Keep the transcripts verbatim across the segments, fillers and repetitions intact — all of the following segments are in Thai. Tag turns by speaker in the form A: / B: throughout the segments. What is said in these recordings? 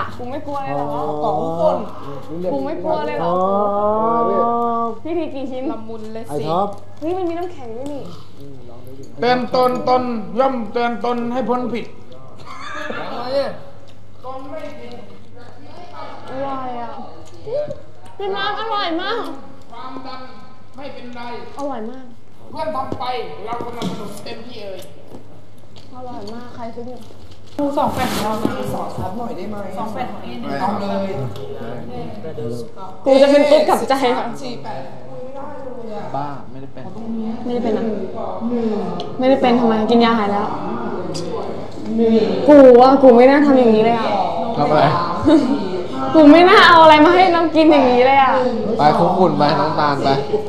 A: กูไม่กลัวเลยหรอสองคนกูไม่กลัวเลยหรอพี่ทีกี่ชิ้นละมุนเลยสิเฮ้ยมันมีน้ำแข็งด้วยนี่
B: เตือนตนตนย่อมเตือนตนให้พ้นผิดตนไม่ผิด
A: อร่อยอ่ะพี่น้ำอร่อยมาก
B: ความดันไม่เป็นไร
A: อร่อยมาก
B: เพื่อนทำไปเรากำลังสนุกเต็มที่เอ่ย
A: อร่อยมากใครซื้อ
C: ดูสองแผ่นของเราสองซับหน่อยได้ไหมสองแผ่นของเอ็นเอาเลย
A: กูจะเป็นตุ๊ดกับใจค่ะ
D: บ้าไม่ได้เป็น
A: ไม่ได้เป็นนะไม่ได้เป็นทำไมกินยาหายแล้วกูว่ากูไม่น่าทำอย่างนี้เลยอ่ะ
D: ทำอะไร
A: กูไม่น่าเอาอะไรมาให้น้องกินอย่างนี้เลยอ่ะ
D: ไปคุกคุ่นไปน้องตาลไป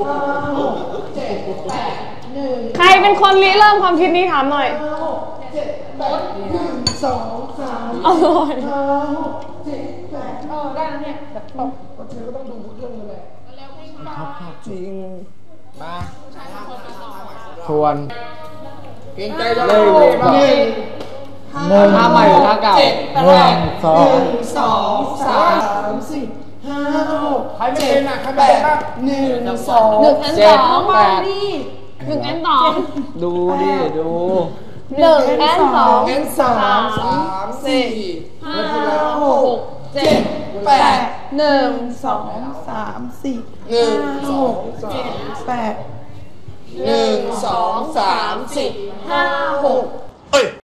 A: ใครเป็นคนริเริ่มความคิดนี้ถามหน่อย
C: สองสาม
A: อร่อย
C: ห้าหกเจ็ดแปดเออได้แล้วเนี่ยแบบตกก็เธอก็ต้องดูเครื่องเลยจริง
D: มาชวน
B: เก่งใจจะ
D: เลยเลยก่อนหนึ่งท่าใหม่หรือท่าเก่าหนึ่งสอง
C: สองสามสี่ห้าหก
B: ใครไม่เป็นอ่ะใครไม่เป็นบ้าง
C: หนึ่งสอง
A: หนึ่งแอนสอง
D: แปด
A: หนึ่งแอนสอง
D: ดูดิดู
A: หนึ่งแอนสอง
C: แอนสามสามสี่ห้าหกเจ็ดแปดหนึ่งสองสามสี่ห้าหกเจ็ดแปดหนึ่งสองสามสี่ห้าหก